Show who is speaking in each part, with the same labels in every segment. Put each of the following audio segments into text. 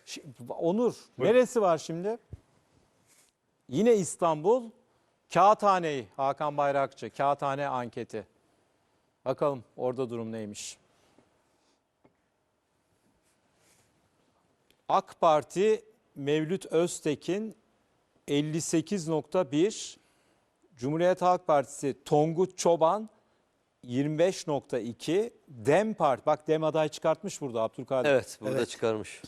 Speaker 1: Onur, neresi var şimdi? Yine İstanbul. Kağıthane, Hakan Bayrakçı, Kağıthane anketi. Bakalım orada durum neymiş? AK Parti Mevlüt Öztekin 58.1, Cumhuriyet Halk Partisi Tonguç Çoban 25.2, DEM Parti, bak DEM aday çıkartmış burada Abdülkadir.
Speaker 2: Evet, burada çıkarmış.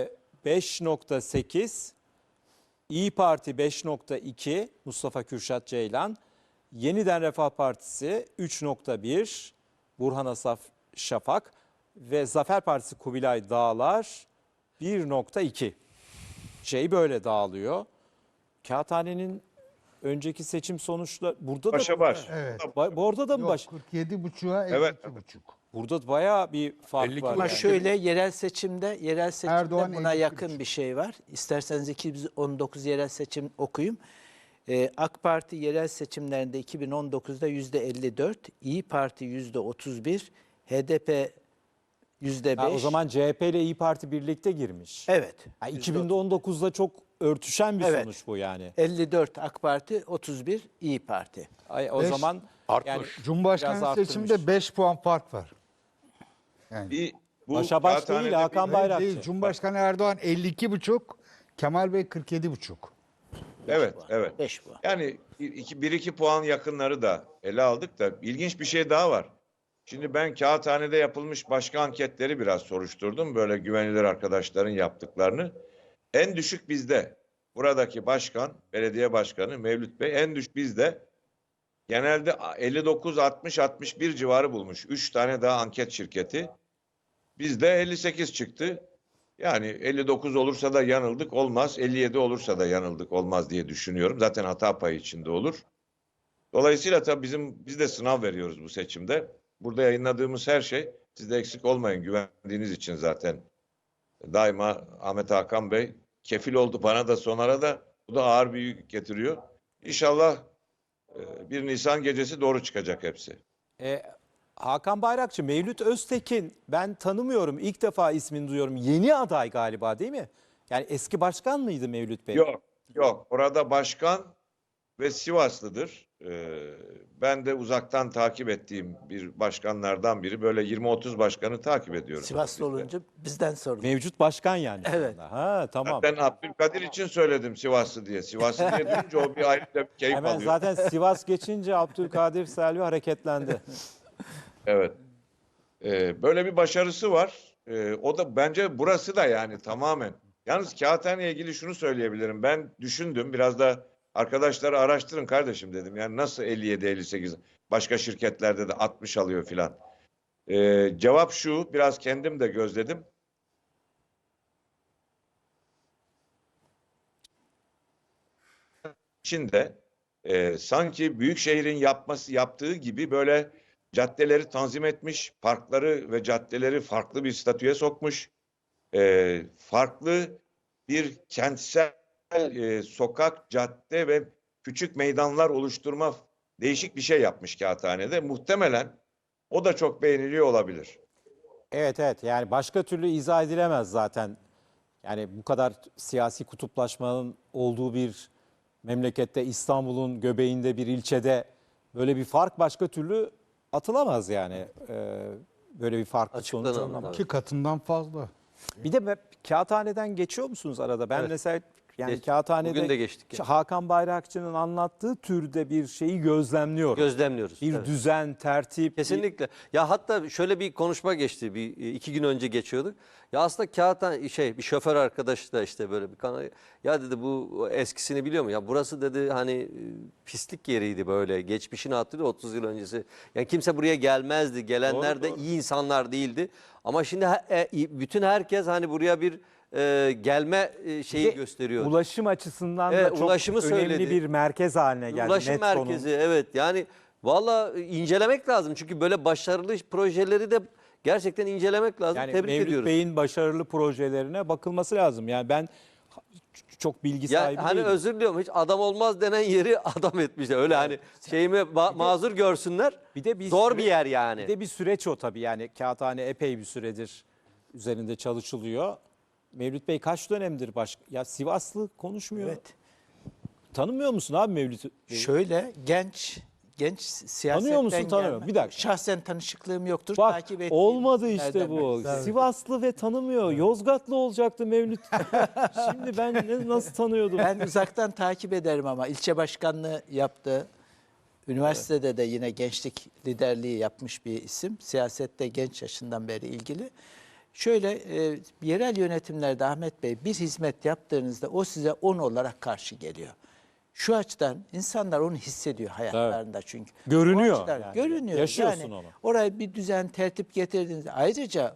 Speaker 1: 5.8, İyi Parti 5.2, Mustafa Kürşat Ceylan, Yeniden Refah Partisi 3.1, Burhan Asaf Şafak ve Zafer Partisi Kubilay Dağlar 1.2. Böyle dağılıyor. Kağıthane'nin önceki seçim sonuçları burada
Speaker 3: Başa
Speaker 1: da
Speaker 3: baş.
Speaker 4: Evet.
Speaker 1: orada da mı
Speaker 4: Yok,
Speaker 1: baş?
Speaker 4: 47,5'a
Speaker 3: Evet.
Speaker 4: 52,5.
Speaker 1: Burada bayağı bir fark
Speaker 5: 52
Speaker 1: var.
Speaker 5: Ama
Speaker 1: yani.
Speaker 5: şöyle yerel seçimde
Speaker 4: Erdoğan
Speaker 5: buna
Speaker 4: 52,5.
Speaker 5: yakın bir şey var. İsterseniz 2019 yerel seçim okuyayım. AK Parti yerel seçimlerinde 2019'da %54, İyi Parti %31, HDP %5.
Speaker 1: Ha, o zaman CHP ile İyi Parti birlikte girmiş.
Speaker 5: evet.
Speaker 1: Ha, 2019'da çok örtüşen bir
Speaker 5: Evet.
Speaker 1: sonuç bu yani.
Speaker 5: 54 AK Parti, 31 İyi Parti.
Speaker 1: O
Speaker 4: Beş-
Speaker 1: zaman
Speaker 5: Biraz
Speaker 1: biraz
Speaker 5: arttırmış.
Speaker 4: Cumhurbaşkanı seçiminde
Speaker 1: arttırmış.
Speaker 4: 5 puan fark var. Yani
Speaker 3: Bu
Speaker 1: Başa baş
Speaker 3: Kağıthane'de
Speaker 1: değil, Hakan
Speaker 3: bir-
Speaker 1: Bayrakçı.
Speaker 4: değil, Cumhurbaşkanı Erdoğan 52,5, Kemal Bey 47,5.
Speaker 3: Evet, evet.
Speaker 5: 5 bu.
Speaker 3: Yani 1-2 puan yakınları da ele aldık da ilginç bir şey daha var. Şimdi ben Kağıthane'de yapılmış başka anketleri biraz soruşturdum. Böyle güvenilir arkadaşların yaptıklarını. En düşük bizde. Buradaki başkan, belediye başkanı Mevlüt Bey en düşük bizde. Genelde 59, 60, 61 civarı bulmuş. 3 tane daha anket şirketi. Bizde 58 çıktı. Yani 59 olursa da yanıldık olmaz. 57 olursa da yanıldık olmaz diye düşünüyorum. Zaten hata payı içinde olur. Dolayısıyla tabii biz de sınav veriyoruz bu seçimde. Burada yayınladığımız her şey, siz de eksik olmayın, güvendiğiniz için zaten. Daima Ahmet Hakan Bey kefil oldu bana da sonara da. Bu da ağır bir yük getiriyor. İnşallah 1 Nisan gecesi doğru çıkacak hepsi.
Speaker 1: Hakan Bayrakçı, Mevlüt Öztekin ben tanımıyorum. İlk defa ismini duyuyorum. Yeni aday galiba değil mi? Yani eski başkan mıydı Mevlüt Bey?
Speaker 3: Yok, yok. Orada başkan ve Sivaslıdır. Ben de uzaktan takip ettiğim bir başkanlardan biri. Böyle 20-30 başkanı takip ediyorum.
Speaker 5: Sivaslı olunca bizden sorun.
Speaker 1: Mevcut başkan yani. şu
Speaker 5: Evet.
Speaker 1: anda. Ha, tamam.
Speaker 3: Ben Abdülkadir için söyledim Sivaslı diye. Sivaslı diye duyunca o bir ayrı bir keyif
Speaker 1: Hemen
Speaker 3: alıyor.
Speaker 1: zaten Sivas geçince Abdülkadir Selvi hareketlendi.
Speaker 3: Evet. Böyle bir başarısı var. O da bence burası da yani tamamen. Yalnız Kağıthane'ye ilgili şunu söyleyebilirim. Ben düşündüm. Biraz da arkadaşları araştırın kardeşim dedim. Yani nasıl 57-58 başka şirketlerde de 60 alıyor filan. Cevap şu. Biraz kendim de gözledim. İçinde sanki büyük şehrin yaptığı gibi böyle caddeleri tanzim etmiş, parkları ve caddeleri farklı bir statüye sokmuş, farklı bir kentsel sokak, cadde ve küçük meydanlar oluşturma değişik bir şey yapmış Kağıthane'de. Muhtemelen o da çok beğeniliyor olabilir.
Speaker 1: Evet, yani başka türlü izah edilemez zaten. Yani bu kadar siyasi kutuplaşmanın olduğu bir memlekette, İstanbul'un göbeğinde bir ilçede böyle bir fark başka türlü atılamaz yani. Böyle bir farklı sonuç
Speaker 2: Açıklanamaz,
Speaker 1: alınamayız.
Speaker 4: 2 katından fazla.
Speaker 1: Bir de Kağıthane'den geçiyor musunuz arada? Ben
Speaker 2: Evet.
Speaker 1: mesela yani
Speaker 2: Geç-
Speaker 1: Kağıthane'de
Speaker 2: bugün de geçtik yani.
Speaker 1: Hakan Bayrakçı'nın anlattığı türde bir şeyi gözlemliyorum.
Speaker 2: Gözlemliyoruz.
Speaker 1: Bir
Speaker 2: evet.
Speaker 1: düzen, tertip.
Speaker 2: Kesinlikle. Ya hatta şöyle bir konuşma geçti. 2 gün önce geçiyorduk. Ya aslında Kağıthane bir şoför arkadaş da işte böyle bir kanal. Ya dedi bu eskisini biliyor mu? Ya burası dedi hani pislik yeriydi böyle. Geçmişini hatırlıyor 30 yıl öncesi. Yani kimse buraya gelmezdi. Gelenler de iyi insanlar değildi. Ama şimdi bütün herkes hani buraya bir gelme şeyi
Speaker 1: Bir de
Speaker 2: gösteriyor.
Speaker 1: Ulaşım açısından
Speaker 2: Evet,
Speaker 1: da çok
Speaker 2: ulaşımı
Speaker 1: önemli
Speaker 2: söyledi.
Speaker 1: bir merkez haline geldi.
Speaker 2: Ulaşım
Speaker 1: Metro'nun.
Speaker 2: merkezi evet yani valla incelemek lazım. Çünkü böyle başarılı projeleri de gerçekten incelemek lazım.
Speaker 1: Yani
Speaker 2: Tebrik
Speaker 1: Mevlüt
Speaker 2: ediyoruz.
Speaker 1: Bey'in başarılı projelerine bakılması lazım. Yani ben çok bilgi
Speaker 2: Ya
Speaker 1: sahibi
Speaker 2: hani
Speaker 1: değilim.
Speaker 2: özür diliyorum hiç adam olmaz denen yeri adam etmişler. Öyle hani şeyimi mazur görsünler.
Speaker 1: Bir de
Speaker 2: Zor
Speaker 1: süre-
Speaker 2: bir yer yani.
Speaker 1: Bir de bir süreç o tabii. Yani Kağıthane epey bir süredir üzerinde çalışılıyor. Mevlüt Bey kaç dönemdir ya Sivaslı konuşmuyor.
Speaker 5: Evet.
Speaker 1: Tanımıyor musun abi Mevlüt Bey'i?
Speaker 5: Şöyle genç siyasetten
Speaker 1: Tanıyor musun, tanımıyor
Speaker 5: gelme.
Speaker 1: Bir dakika.
Speaker 5: Şahsen tanışıklığım yoktur.
Speaker 1: Bak
Speaker 5: takip ettiğim
Speaker 1: olmadı işte
Speaker 5: isimlerden
Speaker 1: bu.
Speaker 5: birisi.
Speaker 1: Sivaslı ve tanımıyor. Yozgatlı olacaktı Mevlüt. Şimdi ben nasıl tanıyordum?
Speaker 5: Ben uzaktan takip ederim ama ilçe başkanlığı yaptı. Üniversitede de yine gençlik liderliği yapmış bir isim. Siyasette genç yaşından beri ilgili. Şöyle yerel yönetimlerde Ahmet Bey bir hizmet yaptığınızda o size 10 olarak karşı geliyor. Şu açıdan insanlar onu hissediyor hayatlarında çünkü.
Speaker 1: Görünüyor
Speaker 5: O açıdan
Speaker 1: yani.
Speaker 5: görünüyor.
Speaker 1: Yaşıyorsun
Speaker 5: yani
Speaker 1: onu.
Speaker 5: Oraya bir düzen tertip getirdiğinizde ayrıca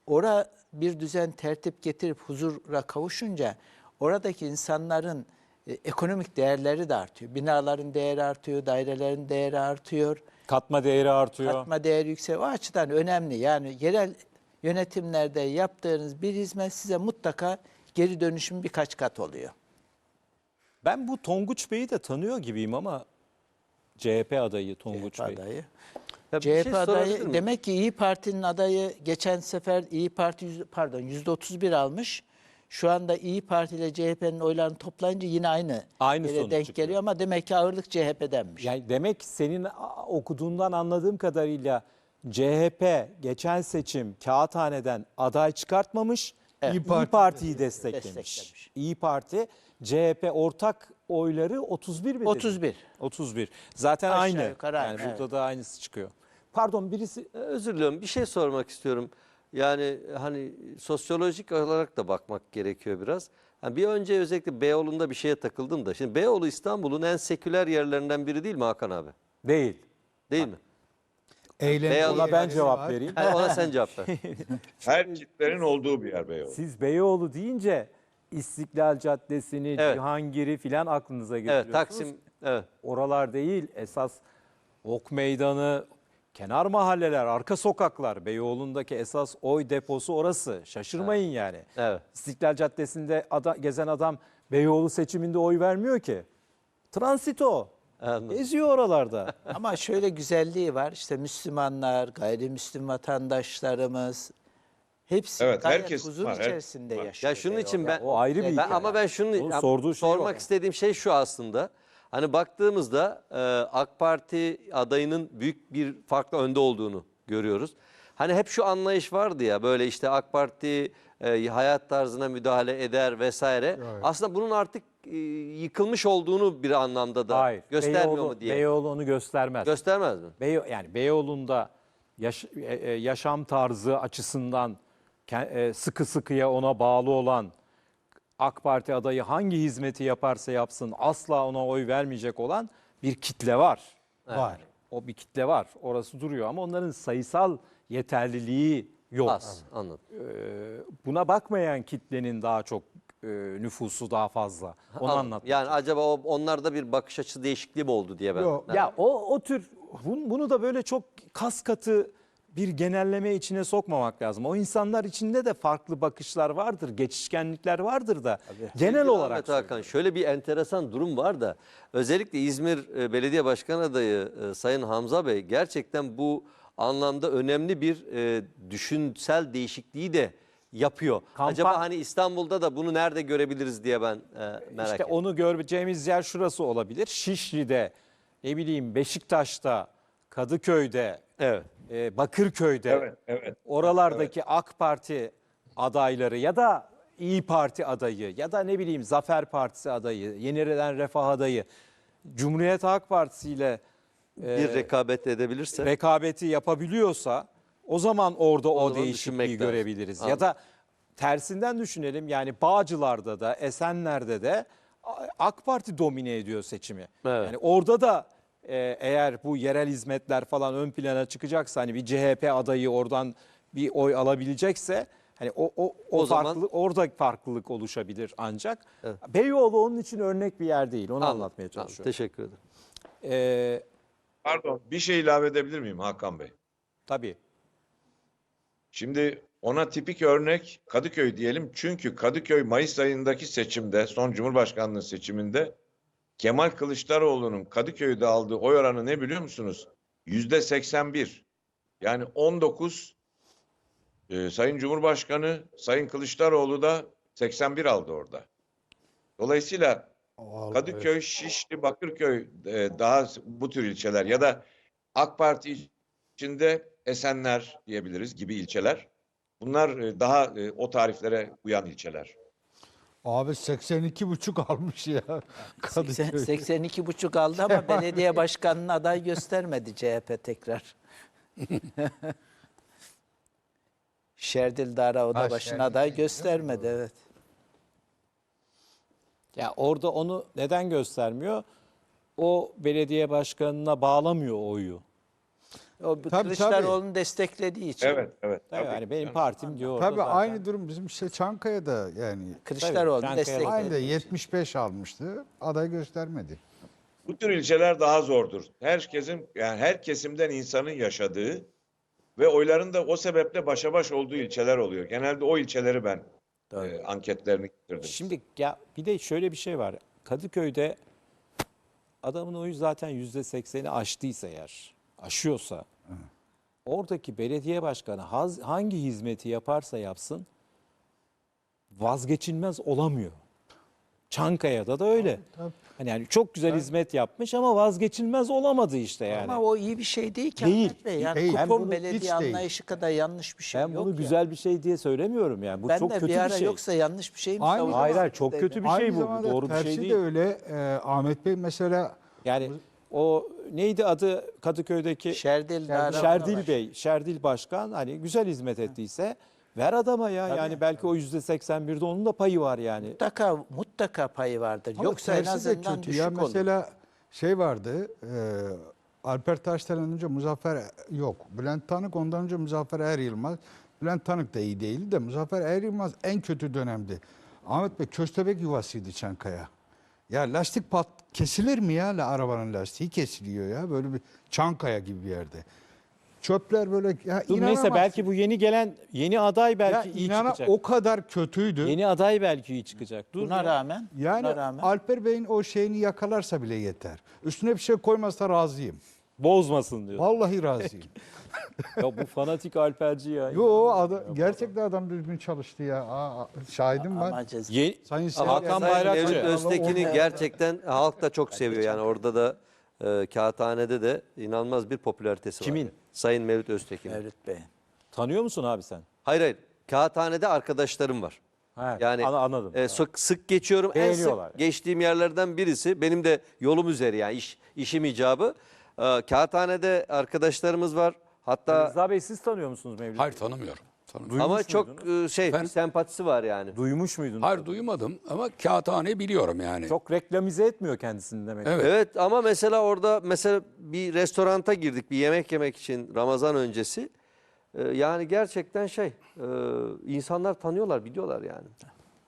Speaker 5: bir düzen tertip getirip huzura kavuşunca oradaki insanların ekonomik değerleri de artıyor. Binaların değeri artıyor, dairelerin değeri artıyor.
Speaker 1: Katma değeri artıyor.
Speaker 5: Katma değeri yükseliyor. O açıdan önemli. Yani yerel yönetimlerde yaptığınız bir hizmet size mutlaka geri dönüşüm birkaç kat oluyor.
Speaker 1: Ben bu Tonguç Bey'i de tanıyor gibiyim ama CHP adayı Tonguç
Speaker 5: CHP
Speaker 1: Bey.
Speaker 5: adayı.
Speaker 2: Ya bir şey
Speaker 5: CHP
Speaker 2: sorabilir
Speaker 5: adayı
Speaker 2: miyim?
Speaker 5: demek ki İyi Parti'nin adayı geçen sefer İyi Parti %31 almış. Şu anda İyi Parti ile CHP'nin oylarını toplayınca yine
Speaker 1: Aynı
Speaker 5: yere
Speaker 1: sonuç
Speaker 5: denk
Speaker 1: çıkıyor.
Speaker 5: geliyor ama demek ki ağırlık CHP'denmiş.
Speaker 1: Yani demek senin okuduğundan anladığım kadarıyla CHP geçen seçim Kağıthane'den aday çıkartmamış, İyi Parti'yi desteklemiş. İyi Parti, CHP ortak oyları 31 mi dedin?
Speaker 5: 31.
Speaker 1: 31. Zaten
Speaker 5: Aşağı
Speaker 1: aynı.
Speaker 5: yukarı
Speaker 1: Yani
Speaker 5: aynı,
Speaker 1: burada
Speaker 5: evet.
Speaker 1: da aynısı çıkıyor. Pardon birisi
Speaker 2: Özür diliyorum. Bir şey sormak istiyorum. Yani hani sosyolojik olarak da bakmak gerekiyor biraz. Yani bir önce özellikle Beyoğlu'nda bir şeye takıldım da. Şimdi Beyoğlu İstanbul'un en seküler yerlerinden biri değil mi Hakan abi?
Speaker 1: değil.
Speaker 2: Değil mi?
Speaker 4: Eğlence
Speaker 1: Ona ben
Speaker 4: yerleri
Speaker 1: cevap
Speaker 4: var.
Speaker 1: vereyim.
Speaker 2: Hayır, ona sen cevap ver.
Speaker 3: Her kitlerin olduğu bir yer Beyoğlu.
Speaker 1: Siz Beyoğlu deyince İstiklal Caddesi'ni,
Speaker 2: Evet.
Speaker 1: Cihangir'i filan aklınıza getiriyorsunuz.
Speaker 2: Evet, Taksim. Evet.
Speaker 1: Oralar değil, esas Ok Meydanı, kenar mahalleler, arka sokaklar. Beyoğlu'ndaki esas oy deposu orası. Şaşırmayın yani.
Speaker 2: Evet.
Speaker 1: İstiklal Caddesi'nde gezen adam Beyoğlu seçiminde oy vermiyor ki. Transito.
Speaker 2: Anladım.
Speaker 1: Geziyor oralarda.
Speaker 5: Ama şöyle güzelliği var. İşte Müslümanlar, gayrimüslim vatandaşlarımız hepsi
Speaker 3: Evet,
Speaker 5: gayet
Speaker 3: herkes
Speaker 5: huzur
Speaker 3: var,
Speaker 5: içerisinde
Speaker 3: var.
Speaker 5: yaşıyor.
Speaker 2: Ya şunun için ben
Speaker 1: o ayrı bir hikaye.
Speaker 2: ama ben şunu
Speaker 1: Onun sorduğu şey
Speaker 2: sormak
Speaker 1: o.
Speaker 2: istediğim şey şu aslında. Hani baktığımızda AK Parti adayının büyük bir farklı önde olduğunu görüyoruz. Hani hep şu anlayış vardı ya böyle işte AK Parti hayat tarzına müdahale eder vesaire. Aslında bunun artık yıkılmış olduğunu bir anlamda da
Speaker 1: Hayır.
Speaker 2: göstermiyor mu diye.
Speaker 1: Beyoğlu onu göstermez.
Speaker 2: Göstermez mi?
Speaker 1: Yani Beyoğlu'nda yaşam tarzı açısından sıkı sıkıya ona bağlı olan AK Parti adayı hangi hizmeti yaparsa yapsın asla ona oy vermeyecek olan bir kitle var.
Speaker 4: Var.
Speaker 1: O bir kitle var. Orası duruyor ama onların sayısal yeterliliği yok.
Speaker 2: Az. Anladım.
Speaker 1: Buna bakmayan kitlenin daha çok nüfusu daha fazla. Onu
Speaker 2: Anladım.
Speaker 1: anlatmak.
Speaker 2: Yani acaba onlarda bir bakış açısı değişikliği mi oldu diye ben.
Speaker 4: Yok.
Speaker 1: Ya o tür bunu da böyle çok kas katı bir genelleme içine sokmamak lazım. O insanlar içinde de farklı bakışlar vardır, geçişkenlikler vardır da genel
Speaker 2: Sevgili
Speaker 1: olarak
Speaker 2: Ahmet Hakan, şöyle bir enteresan durum var da özellikle İzmir Belediye Başkan Adayı Sayın Hamza Bey gerçekten bu anlamda önemli bir düşünsel değişikliği de yapıyor. Acaba hani İstanbul'da da bunu nerede görebiliriz diye ben merak
Speaker 1: İşte
Speaker 2: ettim.
Speaker 1: onu göreceğimiz yer şurası olabilir. Şişli'de, ne bileyim Beşiktaş'ta, Kadıköy'de,
Speaker 2: Evet.
Speaker 1: Bakırköy'de,
Speaker 3: Evet.
Speaker 1: oralardaki AK Parti adayları ya da İyi Parti adayı ya da ne bileyim Zafer Partisi adayı, Yeniden Refah adayı, Cumhuriyet Halk Partisi ile
Speaker 2: Bir rekabet edebilirse.
Speaker 1: rekabeti yapabiliyorsa o zaman orada o
Speaker 2: zaman
Speaker 1: değişikliği
Speaker 2: düşünmek lazım.
Speaker 1: görebiliriz. Ya
Speaker 2: Anladım.
Speaker 1: da tersinden düşünelim yani Bağcılar'da da Esenler'de de AK Parti domine ediyor seçimi.
Speaker 2: Evet.
Speaker 1: Yani orada da eğer bu yerel hizmetler falan ön plana çıkacaksa hani bir CHP adayı oradan bir oy alabilecekse hani
Speaker 2: O zaman-
Speaker 1: farklılık orada farklılık oluşabilir ancak.
Speaker 2: Evet.
Speaker 1: Beyoğlu onun için örnek bir yer değil. Onu
Speaker 2: Anladım.
Speaker 1: anlatmaya
Speaker 2: Anladım.
Speaker 1: çalışıyorum.
Speaker 2: Teşekkür ederim.
Speaker 3: Pardon, bir şey ilave edebilir miyim Hakan Bey?
Speaker 1: Tabii.
Speaker 3: Şimdi ona tipik örnek Kadıköy diyelim. Çünkü Kadıköy Mayıs ayındaki seçimde, son Cumhurbaşkanlığı seçiminde Kemal Kılıçdaroğlu'nun Kadıköy'de aldığı oy oranı ne biliyor musunuz? %81. Yani 19 Sayın Cumhurbaşkanı, Sayın Kılıçdaroğlu da 81 aldı orada. Dolayısıyla
Speaker 4: Vallahi
Speaker 3: Kadıköy, Şişli, Bakırköy daha bu tür ilçeler ya da AK Parti içinde Esenler diyebiliriz gibi ilçeler. Bunlar daha o tariflere uyan ilçeler.
Speaker 4: Abi 82,5 almış ya Kadıköy.
Speaker 5: 82,5 aldı ama belediye başkanına aday göstermedi CHP tekrar. Şerdil Dara Oda
Speaker 4: Ha,
Speaker 5: başına
Speaker 4: Şerdil
Speaker 5: aday
Speaker 4: Bey,
Speaker 5: göstermedi, evet.
Speaker 1: Ya orada onu neden göstermiyor? O belediye başkanına bağlamıyor o oyu.
Speaker 5: O
Speaker 4: Tabii,
Speaker 5: Kılıçdaroğlu'nu desteklediği için.
Speaker 3: Evet, evet.
Speaker 1: Tabii
Speaker 3: tabii.
Speaker 1: yani benim
Speaker 3: Yani
Speaker 1: partim diyor orada
Speaker 4: Tabii
Speaker 1: zaten.
Speaker 4: aynı durum bizim işte Çankaya'da yani.
Speaker 5: Kılıçdaroğlu'nu
Speaker 1: Tabii,
Speaker 5: destekledi.
Speaker 4: Aynı de 75 almıştı. Aday göstermedi.
Speaker 3: bu tür ilçeler daha zordur. Herkesin yani her kesimden insanın yaşadığı ve oyların da o sebeple başa baş olduğu ilçeler oluyor. Genelde o ilçeleri ben anketlerini getirdim.
Speaker 1: Şimdi ya bir de şöyle bir şey var. Kadıköy'de adamın oyu zaten %80'i aştıysa eğer, aşıyorsa oradaki belediye başkanı hangi hizmeti yaparsa yapsın vazgeçilmez olamıyor. Çankaya'da da öyle.
Speaker 4: Tabii.
Speaker 1: Hani yani çok güzel hizmet yapmış ama vazgeçilmez olamadı işte yani.
Speaker 5: Ama o iyi bir şey değil ki
Speaker 1: Değil,
Speaker 5: Ahmet Bey. Yani
Speaker 4: değil. Ben
Speaker 5: kupon
Speaker 4: bunu
Speaker 5: belediye
Speaker 4: hiç değil.
Speaker 5: anlayışı kadar yanlış bir şey
Speaker 1: Ben
Speaker 5: yok
Speaker 1: bunu
Speaker 5: ya.
Speaker 1: güzel bir şey diye söylemiyorum yani. Bu
Speaker 5: Ben
Speaker 1: çok
Speaker 5: de
Speaker 1: kötü
Speaker 5: bir ara
Speaker 1: bir şey.
Speaker 5: yoksa yanlış bir şey mi
Speaker 4: Aynı
Speaker 5: savunuyorum?
Speaker 1: Hayır hayır çok kötü bir şey
Speaker 4: Aynı
Speaker 1: bu.
Speaker 4: zamanda
Speaker 1: Doğru bir
Speaker 4: tersi
Speaker 1: şey
Speaker 4: de
Speaker 1: değil.
Speaker 4: öyle. Ahmet Bey mesela
Speaker 1: Yani o neydi adı Kadıköy'deki
Speaker 5: Şerdil Dara
Speaker 1: Şerdil
Speaker 5: Oda
Speaker 1: Bey, Şerdil Başkan hani güzel hizmet ettiyse ver adama ya. Yani belki o %81'de onun da payı var yani.
Speaker 5: mutlaka payı vardır.
Speaker 4: ama
Speaker 5: Yoksa en
Speaker 4: tersi de
Speaker 5: azından
Speaker 4: kötü
Speaker 5: düşük
Speaker 4: ya.
Speaker 5: olur.
Speaker 4: Mesela şey vardı. Alper Taş'tan önce Muzaffer yok. Bülent Tanık ondan önce Muzaffer Er Yılmaz. Bülent Tanık da iyi değildi de Muzaffer Er Yılmaz en kötü dönemdi. Ahmet Bey köstebek yuvasıydı Çankaya. Ya lastik kesilir mi ya arabanın lastiği kesiliyor ya böyle bir Çankaya gibi bir yerde. Çöpler böyle ya
Speaker 1: Dur neyse
Speaker 4: inanamazsın.
Speaker 1: belki bu yeni gelen yeni aday
Speaker 4: ya
Speaker 1: belki iyi çıkacak.
Speaker 4: o kadar kötüydü.
Speaker 1: Yeni aday belki iyi çıkacak. Dur
Speaker 5: Buna
Speaker 1: ya.
Speaker 5: rağmen,
Speaker 4: Yani
Speaker 5: buna rağmen
Speaker 4: Alper Bey'in o şeyini yakalarsa bile yeter. Üstüne bir şey koymazsa razıyım.
Speaker 1: Bozmasın diyor.
Speaker 4: Vallahi razıyım.
Speaker 1: Ya bu fanatik Alperci ya.
Speaker 4: Yo gerçekten adam düzgün çalıştı ya. Şahidim var.
Speaker 5: ama ceza.
Speaker 1: Hakan
Speaker 4: Sayın Sayın
Speaker 1: Bayrakçı.
Speaker 2: Mevlüt Öztekin'i
Speaker 4: Allah-
Speaker 2: gerçekten halk da çok seviyor. Yani orada da Kağıthane'de de inanılmaz bir popülaritesi var.
Speaker 1: Kimin?
Speaker 2: Sayın Mevlüt Öztekin.
Speaker 5: Mevlüt Bey.
Speaker 1: Tanıyor musun abi sen?
Speaker 2: Hayır hayır. Kağıthane'de arkadaşlarım var.
Speaker 1: Ha,
Speaker 2: Yani
Speaker 1: anladım.
Speaker 2: sık geçiyorum. En
Speaker 1: Beğeniyorlar.
Speaker 2: sık geçtiğim yerlerden birisi. Benim de yolum üzeri yani işim icabı. Kağıthane'de arkadaşlarımız var. Hatta
Speaker 1: Rıza Bey siz tanıyor musunuz Mevlüt?
Speaker 6: Hayır tanımıyorum. Tanımıyorum.
Speaker 2: ama
Speaker 1: Duymuş
Speaker 2: çok
Speaker 1: muydunuz?
Speaker 2: bir sempatisi var yani.
Speaker 1: Duymuş muydunuz?
Speaker 6: Hayır duymadım ama kağıthane biliyorum yani.
Speaker 1: Çok reklamize etmiyor kendisini demek.
Speaker 6: Evet.
Speaker 2: Evet ama mesela orada bir restoranta girdik bir yemek yemek için Ramazan öncesi. Yani gerçekten insanlar tanıyorlar, biliyorlar yani.